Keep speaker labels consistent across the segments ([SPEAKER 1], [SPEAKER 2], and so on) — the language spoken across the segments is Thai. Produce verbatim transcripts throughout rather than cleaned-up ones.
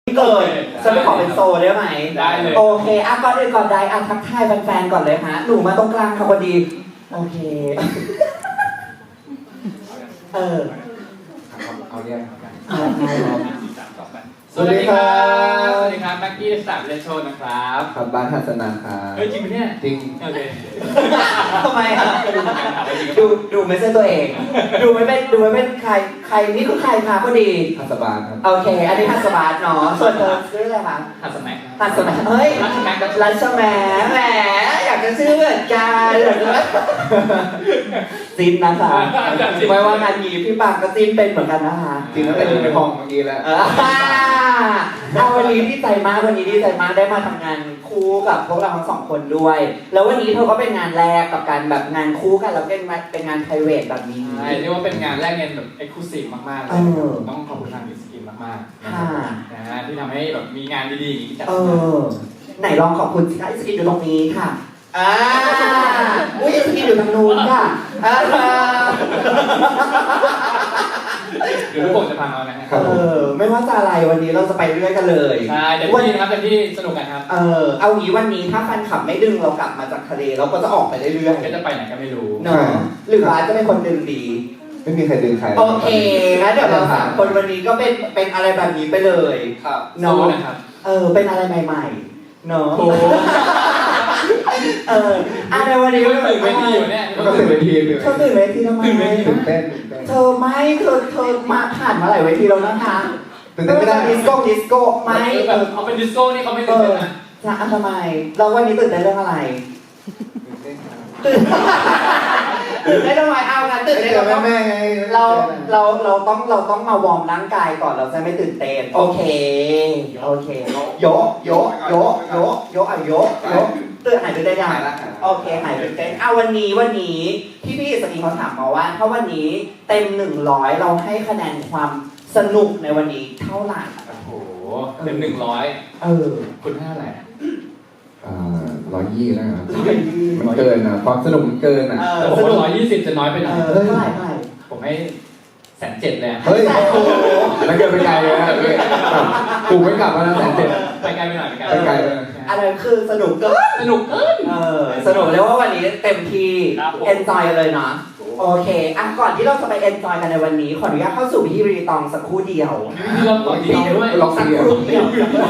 [SPEAKER 1] เกิดฉันไปขอเป็นโซได้ไหม
[SPEAKER 2] ได้เลย
[SPEAKER 1] โอเคอ่ะก่อนอื่นก่อนใดอ่ะทักทายแฟนๆก่อนเลยฮะหนูมาตรงกลางค่ะพอดีโอเคเออ
[SPEAKER 3] เอาเรียก
[SPEAKER 1] เอาใช่ครับ
[SPEAKER 2] สวัสดีครับสวัสดีครับแม็กกี้สามเลนโชนนะครับ
[SPEAKER 3] ครับบ้านทัศนาครับ
[SPEAKER 2] เฮ้ยจริงไหมเนี่ย
[SPEAKER 3] จริง
[SPEAKER 2] โอเค
[SPEAKER 1] ทำไมอ่ะดูดูไม่ใช่ตัวเองดูไม่เป็นดูไม่เป็นใครใครนี่คือใครคะพอดี
[SPEAKER 3] ทัศบาลครับ
[SPEAKER 1] โอเคอันนี้ทัศบาลเนาะส่วนเธอชื่ออะไรคะ
[SPEAKER 2] ทัศแม็ก
[SPEAKER 1] ทัศแม็กเฮ้ย
[SPEAKER 2] ทัศแม็ก
[SPEAKER 1] รัชแหมแหมอยากจะชื่อเหมือนกันจินนะคะไม่ว่างานนี้พี่ปากก็จินเป็นเหมือนกันนะคะ
[SPEAKER 3] จริงแล้วเป็นในห้องเมื่อกี้แล้ว
[SPEAKER 1] เอาวันนี้ดีใจมากวันนี้ดีใจมากได้มาทำงานคู่กับพวกเราทั้งสองคนด้วย แล้ววันนี้เธอก็เป็นงานแรกกับการแบบงานคู่กันแล้วเป็นเป็นงาน private แบบนี้
[SPEAKER 2] ใช่เรียกว่าเป็นงานแรกเงินแบบ exclusive มากๆเลยต้องขอบคุณทางมิสกินมากๆนะฮะที่ทำให้แบบมีงานดีๆอย่างนี้จัดขึ้น
[SPEAKER 1] ไหนลองขอบคุณสิคะมิสกินอยู่ตรงนี้ค่ะอ่าอุ้ยมิสกินอยู่ทางนู้นค่ะอ่า
[SPEAKER 2] เดี๋ยวทุกคนจะพังเอานะฮะ
[SPEAKER 1] เออไม่ว่าจะอะไรวันนี้เราจะไปเรื่อยกันเลย
[SPEAKER 2] ใช่เดี๋ยวที่นะครับเดี๋ยวที่สนุกกันครับ
[SPEAKER 1] เออเอางี้วันนี้ถ้าแฟนคลับไม่ดึงเรากลับมาจากทะเลเราก็จะออกไปเรื่อย
[SPEAKER 2] ๆก็จะไปไหนก็ไม่รู้
[SPEAKER 1] เนาะหรือว่าจะเป็นคนดึงดี
[SPEAKER 3] ไม่มีใครดึงใคร
[SPEAKER 1] โอเคงั้นเดี๋ยวเราสามคนวันนี้ก็เป็นเป็นอะไรแบบนี้ไปเลย
[SPEAKER 2] ครับ
[SPEAKER 1] เนาะ
[SPEAKER 2] นะครับ
[SPEAKER 1] เออเป็นอะไรใหม่ๆเนาะเอออ่ะในวันนี้
[SPEAKER 2] ก็ตื่นเวทีอยู่เนี่ย
[SPEAKER 3] ก็ตื่นเวที
[SPEAKER 1] เธอตื่นเวทีทำไม
[SPEAKER 3] ตื่นเต้น
[SPEAKER 1] เธอไม่เธอเธอมาผ่านมาหลายเวทีแล้วนะคะ
[SPEAKER 3] ตื่นเต้นไม่ได้
[SPEAKER 1] ดิสโก้ดิสโก้ไม่
[SPEAKER 2] แบบเอาเป็นดิสโก้นี่เขาไม่ตื่นเต้นนะ
[SPEAKER 1] จะทำไมเราวันนี้ตื่นเต้นเรื่องอะไรตื่นเต้นทำไมเอากันตื่นเต้นเรา
[SPEAKER 3] แม่ไง
[SPEAKER 1] เราเราเราต้องเราต้องมาวอร์มร่างกายก่อนเราจะไม่ตื่นเต้นโอเคโอเคโยโยโยโยโยอ่ะโยโยตื่นหายตื่นเต้นยังโอเคหายตื่นเต้นเอาวันนี้วันนี้พี่พี่สกีเขาถามมาว่าถ้าวันนี้เต็มหนึ่งร้อยเราให้คะแนนความสนุกในวันนี้เท่าไหร่
[SPEAKER 2] โอ้โหเต็มหนึ่งร้อย
[SPEAKER 1] เออ
[SPEAKER 2] คุณให้อะไร
[SPEAKER 3] อ่าร้อยยี่แล้วนะมันเกินนะความสนุกมันเกินอ่ะ
[SPEAKER 2] แต่ผมว่าร้อยยี่สิบจะน้อยไปหน่อย
[SPEAKER 1] เท่าไหร่เท่าไหร่
[SPEAKER 2] ผมให้แสนเจ็ดเลย
[SPEAKER 3] เฮ้ยแล้วเกินไปไกลเลยนะกูไม่กลับมาแล้วแสนเจ็ด
[SPEAKER 2] ไปไกลไปหน่อยไปไกล
[SPEAKER 3] ไปไกล
[SPEAKER 1] อะไรคือสนุกเกิน
[SPEAKER 2] สนุกเกิน
[SPEAKER 1] เออสนุกเรียกว่าวันนี้เต็มที่ enjoy เลยนะโอเคอ่ะก่อนที่เราจะไป enjoy กันในวันนี้ขออนุญาตเข้าสู่พิธีรีตองสักครู่เดียว
[SPEAKER 2] พี่เราต่อดีด้วย
[SPEAKER 1] ลองสักครู่เดียว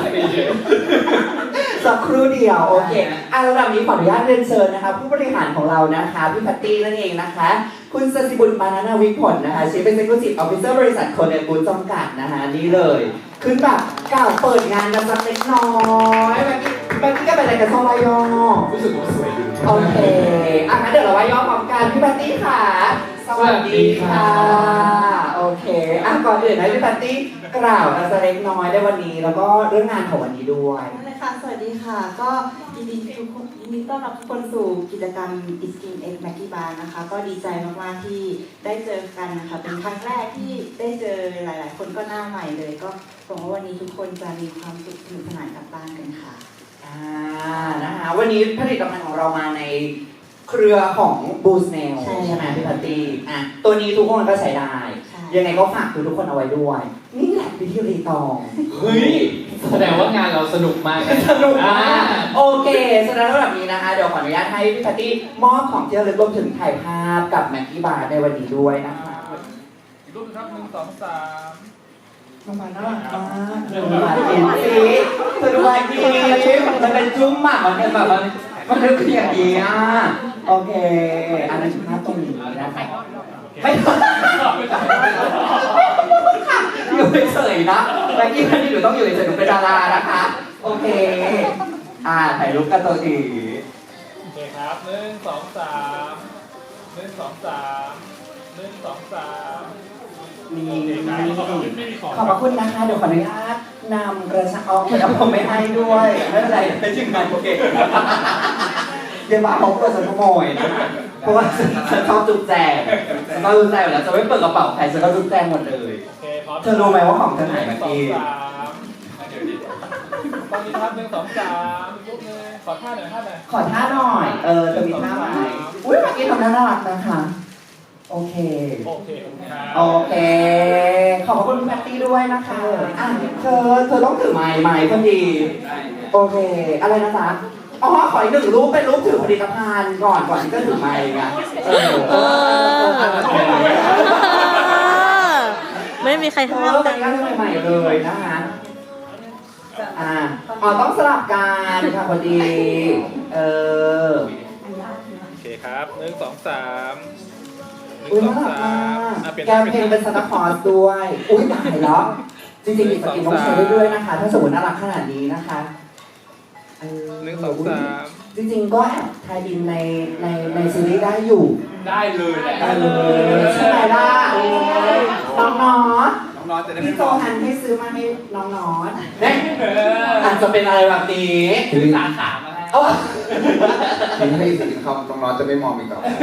[SPEAKER 1] สักครู่เดียวโอเคอ่ะระดับนี้ขออนุญาตเรียนเชิญนะคะผู้บริหารของเรานะคะพี่แพตตี้นั่นเองนะคะคุณสศิบุญมานาวิผลนะคะ Chief Executive Officer บริษัทโคเนบูจำกัดนะคะนี่เลยขึ้นแบบกล่าวเปิดงานกันสักเล็กน้อยเมื่อกี้เมื่อกี้ก็เป็นอะไรกันซองวายอ
[SPEAKER 2] รู้สึกว่าสวยดี
[SPEAKER 1] โอเคอ่ะงั้นเดี๋ยวเราวายอพร้อมกันพี่แพตตี้ค่ะสวัสดีค่ะโอเคอ่ะก่อนอื่นนะพี่แพตตี้กล่าวกันสักเล็กน้อยในวันนี้แล้วก็เรื่องงานของวันนี้ด้วย
[SPEAKER 4] เลยค่ะสวัสดีค่ะก็ยินดีทุกคนยินดีต้อนรับทุกคนสู่กิจกรรม It's Skin X Maggie Bar นะคะก็ดีใจมากๆที่ได้เจอกันนะคะเป็นครั้งแรกที่ได้เจอหลายๆคนก็หน้าใหม่เลยก็หวังว่าวันนี้ทุกคนจะมีความสุขสนุกสนานกลับบ้านกันค่ะ
[SPEAKER 1] อ่านะคะวันนี้ผลิตภัณฑ์ของเรามาในเครือของ Boost Nail ใช่ไหมพี่พัตตี้อ่ะตัวนี้ทุกคนก็ใช้ได้ยังไงก็ฝากทุกคนเอาไว้ด้วยนี่แหละพิธีรีตอง
[SPEAKER 2] เฮ้ยแสดงว่างานเราสนุกมาก
[SPEAKER 1] สนุกมากโอเคแสดงว่าแบบนี้นะคะเดี๋ยวขออนุญาตให้พี่พัตตี้มอบของที่ระลึกรวมถึงถ่ายภาพกับแม็กกี้บาร์ในวันนี้ด้วยนะคะ
[SPEAKER 2] รูปครับหนึ่งสองสาม
[SPEAKER 1] น้องมาน่ารักมากดูมาดีสิเธอดูมาดีมันเป็นจุ้มหมากมันเป็นแบบมันมันคืออย่างนี้อ่ะโอเคอันนั้นภาพตรงนี้นะคะไม่อยู่เฉยๆนะแม็กกี้ท่านนี้หนูต้องอยู่เฉยๆหนูเป็นดารานะคะโอเคอ่าถ่ายรูปกันตัวที
[SPEAKER 2] โอเคครับหนึ่งสองสามหนึ่งสองสามหนึ่งสองสาม
[SPEAKER 1] นี่ขอบคุณนะคะเดี๋ยวขออนุญาตนำกระชับเอาแต่ผมไม่ให้ด้วยไม่เป็นไรไม่ถึงงานโอเคเดี๋ยวมาเอาตัวฉันขโมยเพราะว่าฉันชอบจุกแจงฉันก็จุกแจงอยู่แล้วจะไม่เปิดกระเป๋าใครฉันก็จุกแจงหมดเลยเธอรู้ไหมว่าของเธอไหนเมื่อกี้
[SPEAKER 2] ตอนนี้ครับหนึ่งสองสามรูปนึงขอท่าหน่อยท่าหน่อย
[SPEAKER 1] ขอท่าหน่อยเออจะมีท่าไหมอุ้ยเมื่อกี้ทำท่าน่ารักนะคะโอเค
[SPEAKER 2] โอเคครับ
[SPEAKER 1] โอเค ขอบคุณคุณแพตตี้ด้วยนะคะอ่ะเธอ เธอต้องถือไม้ไม้พอดี โอเค อะไรนะจ๊ะอ๋อ ขออีกหนึ่งรูปเป็นรูปถือผลิตภัณฑ์ก่อนก่อนที่จะถือไม้ไงเออเออ
[SPEAKER 5] ไม่มีใคร
[SPEAKER 1] เอ
[SPEAKER 5] ห้าม
[SPEAKER 1] อ
[SPEAKER 5] กั
[SPEAKER 1] เป็น นการถือใหม่ๆเลยนะคะ อ่าอ๋อต้องสลับกันค่ะพอดี เออ
[SPEAKER 6] โอเคครับหนึ่งสองสามหนึ่ง
[SPEAKER 1] อุ้ย
[SPEAKER 6] สอ
[SPEAKER 1] น่าง รัก
[SPEAKER 6] สาม
[SPEAKER 1] มาก
[SPEAKER 6] อ่ะเปลี่ยน
[SPEAKER 1] แกมเพลงเป็นซานตาคลอสด้วย อุ้ยตายแล้วจริงๆอีกสกินต้องใช้ได้ด้วยนะคะ ถ้าสมมติน่ารักขนาดนี้นะคะเออ
[SPEAKER 6] หนึ่งสองสาม
[SPEAKER 1] จริงๆก็แอบไทยอินในในในซีรีส์ได้อยู่
[SPEAKER 2] ได้เลยแหละ
[SPEAKER 1] เออใช่ไหมล่ะน้องน้อต
[SPEAKER 6] น้องๆจะได้ไม่
[SPEAKER 1] พี่โจ
[SPEAKER 6] มอง
[SPEAKER 1] ฮันให้ซื้อมาให้น้องน้อตเนี่ยอาจจะเป็นอะไรแบบนี้
[SPEAKER 3] ทีนี้
[SPEAKER 2] สาขามาให้
[SPEAKER 1] เอ้า
[SPEAKER 3] ทีนี้ให้สินคำน้องๆจะไม่มองอีกต่อไป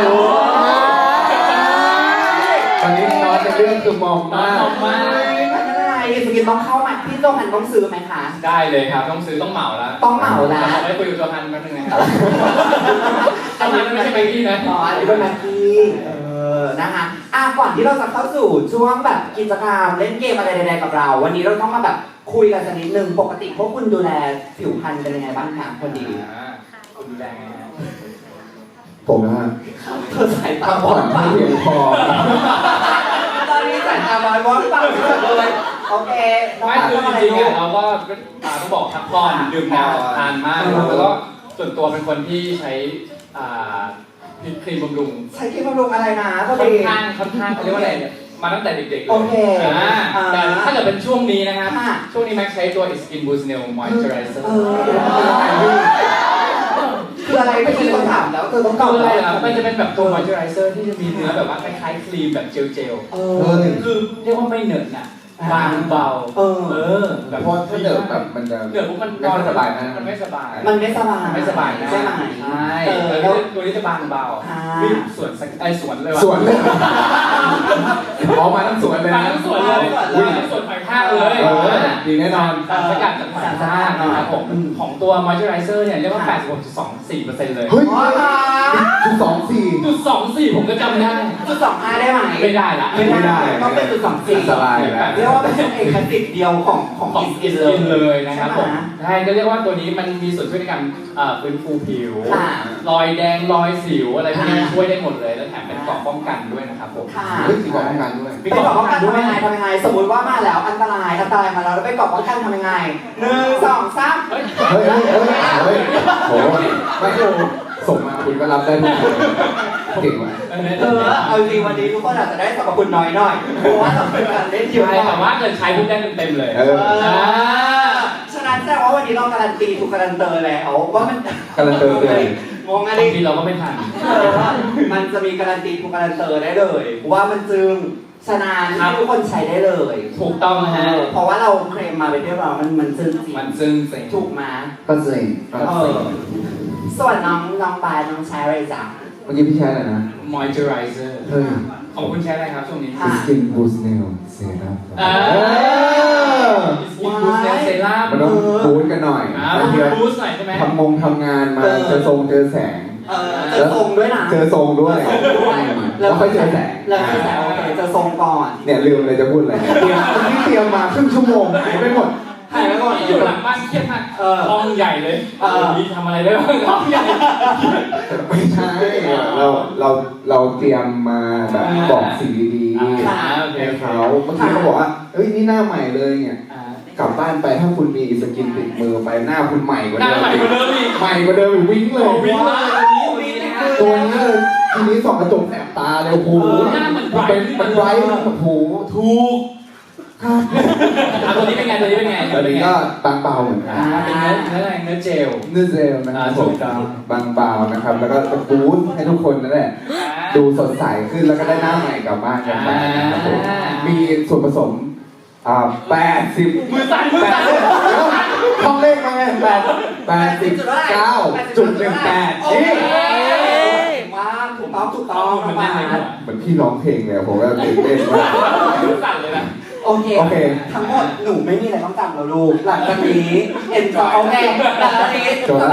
[SPEAKER 3] ตอนนี้น้องจะเรื่องคือมองมาก
[SPEAKER 2] มองมาก
[SPEAKER 1] ไม่เป็นไรสกินต้องเข้ามาพี่โจฮันต้องซื้อไหมคะ
[SPEAKER 2] ได้เลยครับ ต้องซื้อต้องเหมาแล้ว
[SPEAKER 1] ต้องเหมาแล้ว
[SPEAKER 2] ขอไปคุยกับโจฮันแป๊บนึงนะครับอันนี้ไม่ใช่ไปที่นะ
[SPEAKER 1] อ๋ออันนี้เป็นแม็กกี้เออ นะคะอ่ะก่อนที่เราจะเข้าสู่ช่วงแบบกิจกรรมเล่นเกมอะไรใดๆกับเรา วันนี้เราต้องมาแบบคุยกันสักนิดนึง ปกติพวกคุณดูแลผิวพรรณเป็นยังไงบ้างคะคนดี
[SPEAKER 2] อ่าคุณดูแลไงฮะ
[SPEAKER 3] ผมนะฮะ
[SPEAKER 1] เธอสายตา
[SPEAKER 3] พัก
[SPEAKER 1] บ
[SPEAKER 3] ผ่
[SPEAKER 1] อ
[SPEAKER 3] อน
[SPEAKER 1] ด
[SPEAKER 3] ให้
[SPEAKER 1] ปะ
[SPEAKER 3] เพียงพอ
[SPEAKER 1] ตอนนี้สายตาบอดบอดปะเลย โอเคน้อง
[SPEAKER 2] ไม่
[SPEAKER 1] ปา
[SPEAKER 2] คือ
[SPEAKER 1] ทำอะไร
[SPEAKER 2] จริงๆ
[SPEAKER 1] ลู
[SPEAKER 2] อ่ะ
[SPEAKER 1] ก
[SPEAKER 2] เราก็อ่าต้องบอกพักผ่อนดื่มน้ำทานมากนะครับแล้วก็ส่วนตัวเป็นคนที่ใช้อ่าครีมบำรุง
[SPEAKER 1] ใช้ครีมบำรุงอะไรนะพอ
[SPEAKER 2] ค่อ
[SPEAKER 1] ดี
[SPEAKER 2] นข้างค่อนข้างเขาเรียกว่าอะไรเนี่ยมาตั้งแต่เด็กๆเลย
[SPEAKER 1] โอเค
[SPEAKER 2] อ่า
[SPEAKER 1] อ่า
[SPEAKER 2] แต่ถ้าเกิดเป็นช่วงนี้นะครับ
[SPEAKER 1] ค่ะ
[SPEAKER 2] ช่วงนี้แม็กใช้ตัว Skin Boost Nail Moisturizer
[SPEAKER 1] เออเดี๋ยวมันเป็นอะไรลูกคืออะไรไม่ใช่คนถามแล้วเธอต้องตอบ
[SPEAKER 2] คืออะไร
[SPEAKER 1] แล้ว
[SPEAKER 2] ล่ะมันจะเป็นแบบตัว moisturizer ที่จะมีเนื้อแบบว่าคล้ายๆครีมแบบเจล
[SPEAKER 1] เอ
[SPEAKER 3] เอ
[SPEAKER 1] อ
[SPEAKER 3] อ
[SPEAKER 2] ๆคือเรียกว่าไม่เหนอะหนะบางเบา
[SPEAKER 1] เออ
[SPEAKER 2] เออ
[SPEAKER 3] เพราะถ้าเดินแบบมันจะ
[SPEAKER 2] เหนือปุ๊บมัน
[SPEAKER 3] ไม่ค่อยสบายนะ
[SPEAKER 2] มันไม่สบาย
[SPEAKER 1] มันไม่สบาย
[SPEAKER 2] ไม่สบายนะ
[SPEAKER 1] ใช่ไหม
[SPEAKER 2] ใช่
[SPEAKER 1] เออ
[SPEAKER 2] แล้
[SPEAKER 1] แล้ว ว
[SPEAKER 2] ตัวนี้จะบางเบา
[SPEAKER 1] ค่ะ
[SPEAKER 2] มีสวนสักไอสวนเลยว่ะ
[SPEAKER 3] สวนเลยออกมาทั้งสวนเลย
[SPEAKER 2] บาง
[SPEAKER 3] นะ
[SPEAKER 2] ทั้งสวนเลย
[SPEAKER 1] อุ้ย
[SPEAKER 2] บางทั้งสวนไผ่ข้างเลย
[SPEAKER 3] เออดีแน่นอน
[SPEAKER 2] สารสกัดจากไผ่ข้างนะครับผม
[SPEAKER 1] อืม
[SPEAKER 2] ของตัว moisturizer เนี่ยเรียกว่า แปดสิบหกจุดสองสี่เปอร์เซ็นต์ เลย
[SPEAKER 3] เฮ้ย
[SPEAKER 1] อ๋อค่ะ
[SPEAKER 3] จุดสองสี่
[SPEAKER 2] จุดสองสี่ผมก็จำได้
[SPEAKER 1] จุดสองห้าได้ไหม
[SPEAKER 2] ไม่ได้ละ
[SPEAKER 3] ไม่ได้
[SPEAKER 1] ต้องเป็นจุดสองสี่
[SPEAKER 3] อันตรายแล้ว
[SPEAKER 1] เรียกว่าเป็นเอกสิทธิ์เดียวของของ
[SPEAKER 2] ของ
[SPEAKER 1] กิ
[SPEAKER 2] กิ
[SPEAKER 1] น
[SPEAKER 2] น
[SPEAKER 1] เลย
[SPEAKER 2] เลยนะครับผม
[SPEAKER 1] ใช่ไหม
[SPEAKER 2] ใช่ก็เรียกว่าตัวนี้มันมีส่วนช่วยในการเอ่อฟื้นฟูผิว
[SPEAKER 1] ค่ะ
[SPEAKER 2] รอยแดงรอยสิวอะไรพวกนี้
[SPEAKER 1] ค่ะ
[SPEAKER 2] ช่วยได้หมดเลยแล้วแถมเป็นเกราะป้องกันด้วยนะครับผม
[SPEAKER 1] ค่ะ
[SPEAKER 3] เฮ้ยมีบอกป้องกันด้วย
[SPEAKER 1] ไปกรอบป้องกันทำยังไงทำยังไง สมมติว่ามาแล้วอันตรายอันตรายมาแล้วแล้วไปกรอบป้องกันทำยังไงหนึ่งสองสาม
[SPEAKER 2] เฮ้ย
[SPEAKER 3] เฮ้ยเฮ้ยเฮ้ยเฮ้ยโหไม่โหส่งมาคุณก็รับได้ทุกคนเก่งว่ะ
[SPEAKER 1] เออเอาจริงวันนี้ทุกคนอาจจะได้สรรพคุณน้อยหน่อยเพราะว่าเราเป็นการเล่นเยอะ
[SPEAKER 2] ใช่แต่ว่าเกิดใช้ปุ๊บได้เต็มๆเลย
[SPEAKER 3] เออ
[SPEAKER 1] เออฉะนั้นแสดงว่าวันนี้เราการันตีถูกการันเตอร์แล้วว่ามัน
[SPEAKER 3] การันเตอร์เลย
[SPEAKER 1] งงอะไร
[SPEAKER 2] บางทีเราก็ไม่ทัน
[SPEAKER 1] เออมันจะมีการันตีถูกการันเตอร์ได้เลยว่ามันจึงฉะนั้นที่ทุกคนใช้ได้เลย
[SPEAKER 2] ถูกต้องนะฮะ
[SPEAKER 1] เพราะว่าเราเคลมมาเป็นเรียบร้อยมันมันจึงจริง
[SPEAKER 2] มันซึ่งเซ็ง
[SPEAKER 1] ถูกมา
[SPEAKER 3] ก็เซ็ง
[SPEAKER 1] เออส่วนน้องน้องบายน้องใช้อะไรจ๊ะ
[SPEAKER 3] เมื่อกี้พี่แชร์อะไรนะ
[SPEAKER 2] moisturizer
[SPEAKER 3] เฮ้ย
[SPEAKER 2] ของคุณใช้อะไรครับช่วงนี้
[SPEAKER 1] ค่ะ
[SPEAKER 3] Skin Boost Nail Serum
[SPEAKER 2] อ่า สกินบูสต์เซรั่ม
[SPEAKER 3] มันต้องบูสต์กันหน่อย
[SPEAKER 2] อ่า
[SPEAKER 3] บางที
[SPEAKER 2] บูสต์หน่อยใช่ไหม
[SPEAKER 3] ทำงงทำงานมาเจอทรงเจอแสง
[SPEAKER 1] เออเจอทรงด้วยนะ
[SPEAKER 3] เจอทรงด้วย
[SPEAKER 1] เจอทรงด้วย
[SPEAKER 3] แล้วค่อยเจอแสง
[SPEAKER 1] แล้วค่อยแสงโอเคเจอทรงก่อน
[SPEAKER 3] เนี่ยลืมเลยจะพูดอะไรเตรียมที่เตรียมมาครึ่งชั่วโมงหายไปหมด
[SPEAKER 1] หายไปก่อน
[SPEAKER 2] อยู่หลังบ้านเครียดมาก
[SPEAKER 1] เออ
[SPEAKER 2] ห้องใหญ่เลย
[SPEAKER 1] เออ
[SPEAKER 2] วันนี้ทำอะไรได้บ้างห้องใหญ่
[SPEAKER 3] ไม่ใช่ เราเราเราเตรียมมาแบบบอกสิ่งดี
[SPEAKER 2] อ่า
[SPEAKER 3] ๆ
[SPEAKER 2] โอเค
[SPEAKER 3] ให้เขาบางทีเขาบอกว่าเอ้ยนี่หน้าใหม่เลยเนี่ย
[SPEAKER 2] อ่าก
[SPEAKER 3] ลับบ้านไปถ้าคุณมีสกินติดมือไปหน้าคุณใหม่กว่า
[SPEAKER 2] หน้า
[SPEAKER 3] เดิม
[SPEAKER 2] ใหม่กว่าเดิมอีก
[SPEAKER 3] ใหม่กว่าเดิมอีกวิ่งเลย
[SPEAKER 2] วิ่งเลยวันนี้วันนี้นะฮะ
[SPEAKER 3] ตัวนี้เลยทีนี้ส่องกระจกแสบตาเลยโอ้โห
[SPEAKER 2] เออหน้ามัน bright
[SPEAKER 3] เป็นมันไบรท์โอ้โห
[SPEAKER 2] ถูก
[SPEAKER 3] ครับ
[SPEAKER 2] อ่ะตัวนี้เป็นไงตัวนี้เป็นไง
[SPEAKER 3] ตอนนี้ก็บางเบาเหมือนกัน
[SPEAKER 2] อ่าเป็นเนื้อเนื้ออะไรเนื้อเจล
[SPEAKER 3] เนื้อเจลนะครับ
[SPEAKER 2] อ่า
[SPEAKER 3] ผ
[SPEAKER 2] ถู
[SPEAKER 3] ม
[SPEAKER 2] กต้อง
[SPEAKER 3] บางเบานะครับ แล้วก็บูสต์ให้ทุกคนนั่นแหละ ดูสดใสขึ้นแล้วก็ได้หน้าใหม่กลับบ้านกันไปนะครับผมมีส่วนผสมอ่าแปดสิบ
[SPEAKER 2] มือสั่นมือ
[SPEAKER 3] แปด
[SPEAKER 2] สั่น
[SPEAKER 3] สิบท่องเลขมาไงแปดแปดสิบเก้าจุดหนึ่งแปด
[SPEAKER 1] โอ
[SPEAKER 3] นี่
[SPEAKER 1] เคมากถูกต้องถูกต้องน้องบาย
[SPEAKER 3] เหมือนพี่ร้องเพลงเลยอะผมก็ตื่นเต้นมาก
[SPEAKER 2] มือสั่นเลยนะ
[SPEAKER 1] โอเค
[SPEAKER 3] โอเค
[SPEAKER 1] ทั้งหมดหนูไม่มีอะไรต้องจำแล้วลูก หลังจากนี้เอ็นจอยโอเคหลังจากนี้สะบัด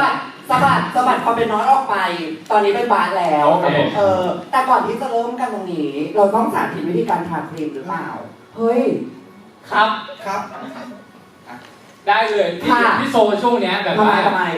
[SPEAKER 1] สะบัดสะบัดความเป็นน้อยออกไป ตอนนี้เป็นบาสแล้ว
[SPEAKER 2] โอเค
[SPEAKER 1] เออแต่ก่อนที่จะเริ่มกันตรงนี้ เราต้องสาธิตวิธีการทาครีมหรือเปล่าเฮ้ย
[SPEAKER 2] ครับ
[SPEAKER 3] ครับ
[SPEAKER 2] ได้เลยพี่
[SPEAKER 1] ค่ะ
[SPEAKER 2] พี่โซช่วงเนี้ยแบบ
[SPEAKER 1] ทำไม
[SPEAKER 2] ว่า
[SPEAKER 1] ทำไม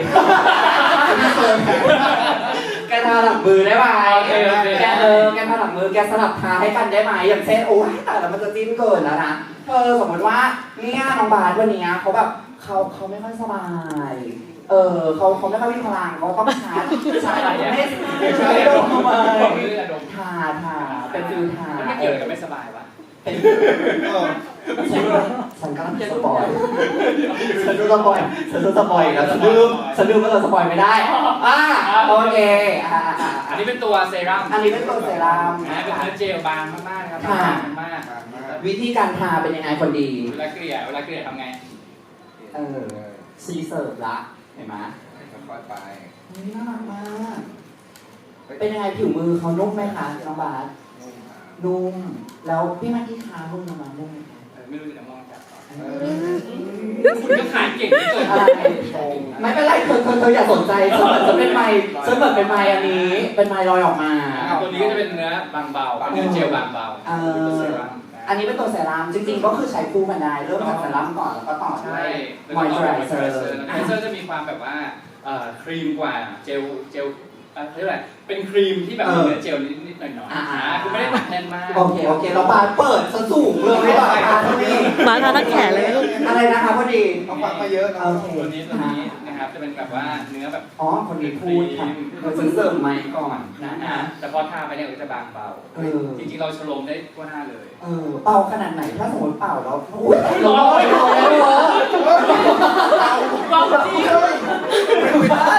[SPEAKER 1] แกทาหลังมือได้ไหม
[SPEAKER 2] โอเคโอเค
[SPEAKER 1] แกเออแกทาหลังมือแกสลับทาให้กันได้ไหมอย่างเช่นโอ้ยแต่แล้วมันจะจิ้นเกินแล้วนะเธอสมมติว่าเนี่ยน้องบาสวันเนี้ยเขาแบบเขาเขาไม่ค่อยสบาย เออเขาเขาไม่ค่อยมีพลังเขาต้องชาร์จชาร์จไม่ไม่ใช่ดมมา
[SPEAKER 2] บอกเลยอะดม
[SPEAKER 1] ทาทาเป็นฟิลทา
[SPEAKER 2] มันไม่เกี่ยวกับไม่สบายวะ
[SPEAKER 1] เป็นฉันฉันกำลังสปอยฉันดูสปอยฉันดูสปอยแล้วฉันลืมฉันลืมว่าเราสปอยไม่ได้อ่าโอเคอ่าอ่าอ่า
[SPEAKER 2] อันนี้เป็นตัวเซรั่ม
[SPEAKER 1] อันนี้เป็นตัวเซรั่ม
[SPEAKER 2] นะเป็นเนื้อเจลบางมากๆนะครับ
[SPEAKER 1] ค่ะ
[SPEAKER 2] บางมาก
[SPEAKER 1] วิธีการทาเป็นยังไงคนดี
[SPEAKER 2] เวลาเกลี่ยเวลาเกลี่ยทำไง
[SPEAKER 1] เออซีเสิร์ฟละเห็นไหม
[SPEAKER 3] ค่อยๆไป
[SPEAKER 1] เฮ้ยน่ารักมาก เป็นยังไงผิวมือเขานุ่มไหมคะน้องบาสนุ่ม แล้วพี่มากี้ทานุ่มไหมนุ่มไหมคะ
[SPEAKER 2] เออไม่รู้จะมองจับก่อน
[SPEAKER 3] เออ
[SPEAKER 2] คุณก็ขายเก่งที่สุด
[SPEAKER 1] อะไรไม่เป็นไรเธอเธอเธออย่าสนใจฉันเหมือนจะเป็นไม้ฉันเหมือนเป็นไม้อันนี้ เป็นไม้ลอยออกมา
[SPEAKER 2] ตัวนี้ก็จะเป็นเนื้อบางเบาเป็นเนื้อเจลบางเบา
[SPEAKER 1] เออ
[SPEAKER 2] เป็นตัวเซรั่ม
[SPEAKER 1] อันนี้เป็นตัวเซรั่มจริงๆ ก็คือใช้คู่กันได้เริ่มจากเซรั่มก่อนแล้วก็ต่อด้
[SPEAKER 2] ใช่
[SPEAKER 1] วย
[SPEAKER 2] แล้ว
[SPEAKER 1] ม
[SPEAKER 2] ก็
[SPEAKER 1] อย
[SPEAKER 2] ม
[SPEAKER 1] เจอ
[SPEAKER 2] อย
[SPEAKER 1] ไร
[SPEAKER 2] เจ
[SPEAKER 1] เซ
[SPEAKER 2] อ
[SPEAKER 1] อ
[SPEAKER 2] ไร
[SPEAKER 1] ร์
[SPEAKER 2] เซอร์มอยเจอร์จะมีความแบบว่าเอ่อครีมกว่าเจลเจลเอ่อเขาเรียกอะไรเป็นครีมที่แบบมีเนื้อเจลนิดๆหน่อยๆอ่าคือไม่ได้หนักแน่นมาก
[SPEAKER 1] โอเคโอเคเราบาสเปิดซะสูงเลยไม่ต่อทาเท่านี้
[SPEAKER 5] บาสทาทั้งแขนเลยลูก
[SPEAKER 1] อะไรนะคะพอดี
[SPEAKER 3] เขาฟังมาเยอะนะ
[SPEAKER 1] โอเค
[SPEAKER 2] ตัวนี้ตัวนี้นะครับจะเป็นแบบว่าเนื้อแบบ
[SPEAKER 1] อ๋อคนนี้พูดค่ะเราซื้อเสริมไมค์ก่อนนะ
[SPEAKER 2] นะ
[SPEAKER 1] ฮะ
[SPEAKER 2] แต่พอทาไปเนี่ยก็จะบางเบา
[SPEAKER 1] เออ
[SPEAKER 2] จริงๆเราชโลมได้ทั่วหน้าเลย
[SPEAKER 1] เออเป่าขนาดไหนถ้าสมมติเป่าแล้วอุ้ยร้อนร้อนร้อน
[SPEAKER 2] เบาจริง
[SPEAKER 1] ไม่ได้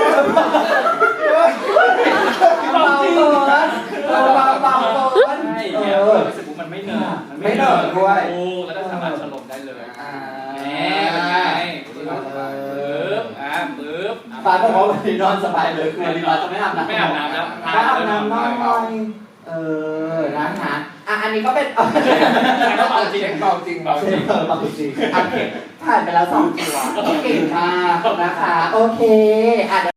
[SPEAKER 1] เป่าเกินเป่าเป่าเป่าเกิน
[SPEAKER 2] ใช่
[SPEAKER 1] เอ
[SPEAKER 2] เนี่ย
[SPEAKER 1] อ
[SPEAKER 2] รู้สึกว่ามันไม่เหนอะ
[SPEAKER 1] ไม่เหนอะด้วย
[SPEAKER 2] โอ้แล้วก็สามารถชโลมได้เลย
[SPEAKER 1] อ่า
[SPEAKER 2] แหมเป็นไงปึ๊บอ่าปึ๊บ
[SPEAKER 1] ฟ้าบอกว่าวันนี้นอนสบายเลยคือวันนี้ฟ้าจะไม่อาบน้ำ
[SPEAKER 2] ไม่อาบน้ำแล้ว
[SPEAKER 1] ไม่อาบน้ำน้อยเออนะคะอ่ะอันนี้ก็เป็น
[SPEAKER 2] เบาจริง
[SPEAKER 3] เบาจริง
[SPEAKER 2] เบาจริง
[SPEAKER 1] เออปกติโอเคผ่านไปแล้วสองตัวเก่งมากนะคะ โอเคอ่ะ